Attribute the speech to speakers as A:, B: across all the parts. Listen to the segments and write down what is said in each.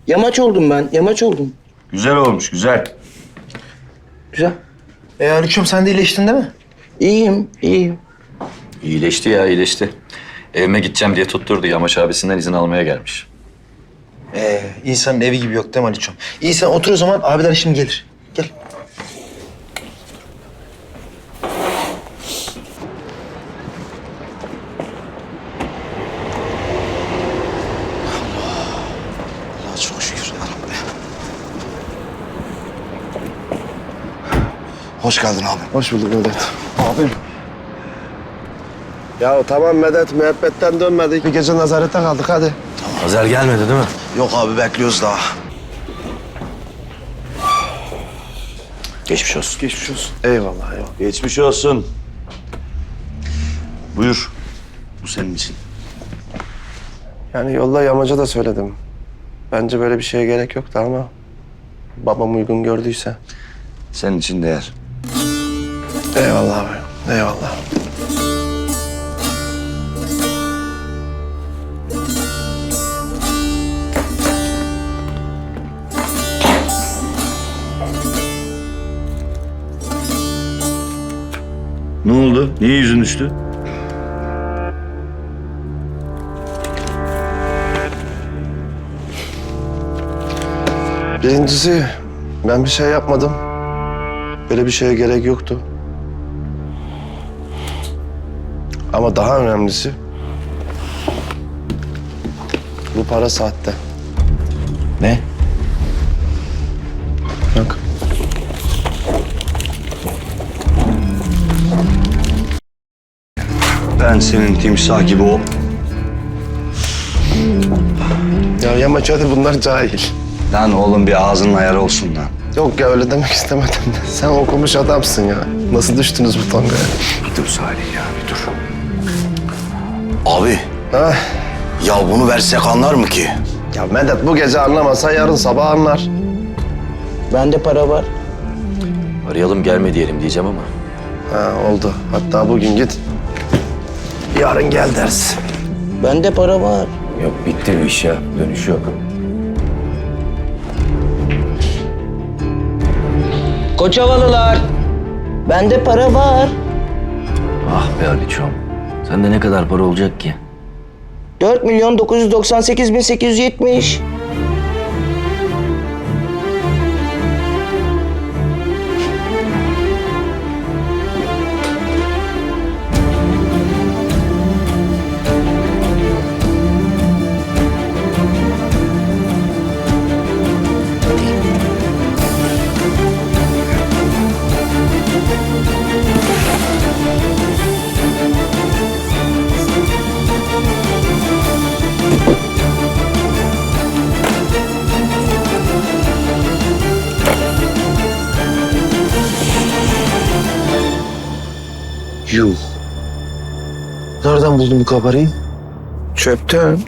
A: Yamaç oldum ben, yamaç oldum.
B: Güzel olmuş, güzel.
A: Güzel.
C: Haluk'cum sen de iyileştin değil mi?
A: İyiyim, iyiyim.
B: İyileşti ya, iyileşti. Evime gideceğim diye tutturdu. Yamaç abisinden izin almaya gelmiş.
C: İnsanın evi gibi yok değil mi Haluk'cum? İyi sen otur o zaman, abiler şimdi gelir. Gel. Allah çok şükür Rabbi. Hoş geldin abi.
D: Hoş bulduk Medet. Abim. Ya tamam Medet, müebbetten dönmedik. Bir gece nezarette kaldık hadi.
C: Azer gelmedi değil mi? Yok abi bekliyoruz daha.
B: Geçmiş olsun.
D: Geçmiş olsun. Eyvallah eyvallah.
B: Geçmiş olsun. Buyur. Bu senin için.
D: Yani yolda yamaca da söyledim. Bence böyle bir şeye gerek yoktu ama babam uygun gördüyse.
B: Senin için değer.
D: Eyvallah abi, eyvallah.
B: Ne oldu? Niye yüzün düştü?
D: Birincisi ben bir şey yapmadım. Böyle bir şeye gerek yoktu. Ama daha önemlisi bu para sahte.
B: Ne?
D: Bak.
B: Ben senin timsah gibi o...
D: Ya yamaç hadi bunlar cahil.
B: Lan oğlum bir ağzının ayarı olsun lan.
D: Yok ya öyle demek istemedim de. Sen okumuş adamsın ya. Nasıl düştünüz bu tongaya?
B: Bir dur Salih ya, bir dur.
E: Abi,
D: Ha?
E: ya bunu versek anlar mı ki?
D: Ya Medet bu gece anlamasa yarın sabah anlar.
A: Bende para var.
B: Arayalım gelme diyelim diyeceğim ama.
D: Ha oldu. Hatta bugün git. Yarın gel dersin.
A: Bende para var.
B: Yok bitti bu iş ya. Dönüş yok.
A: Koçavalılar. Bende para var.
F: Ah be Aliçoğum. Sende ne kadar para olacak ki?
A: 4.998.870.
D: Yuh. Nereden buldun bu kabarayı? Çöpten.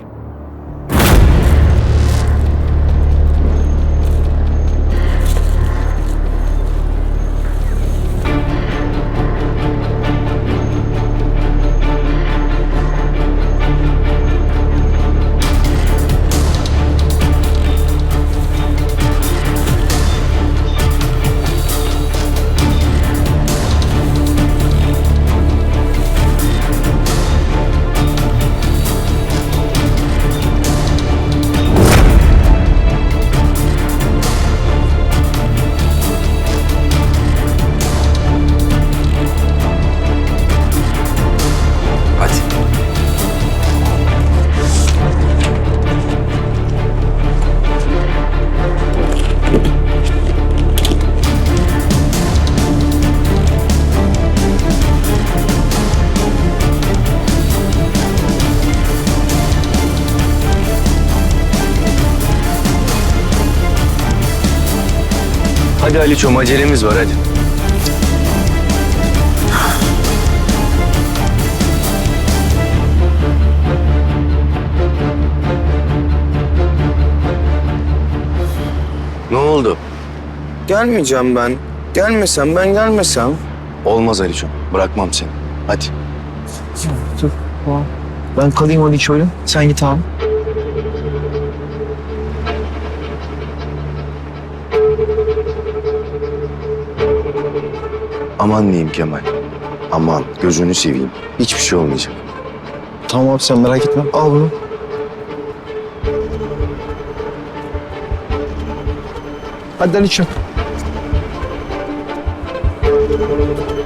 B: Hadi. Hadi Aliço'm acelemiz var hadi. Ne oldu?
D: Gelmeyeceğim ben. Gelmesem ben gelmesem.
B: Olmaz Aliço'm. Bırakmam seni. Hadi.
C: Dur. Tamam. Ben kalayım hadi şöyle. Sen git abi.
E: Aman diyeyim Kemal. Aman gözünü seveyim. Hiçbir şey olmayacak.
C: Tamam abi sen merak etme. Al bunu. Hadi Aliço'm.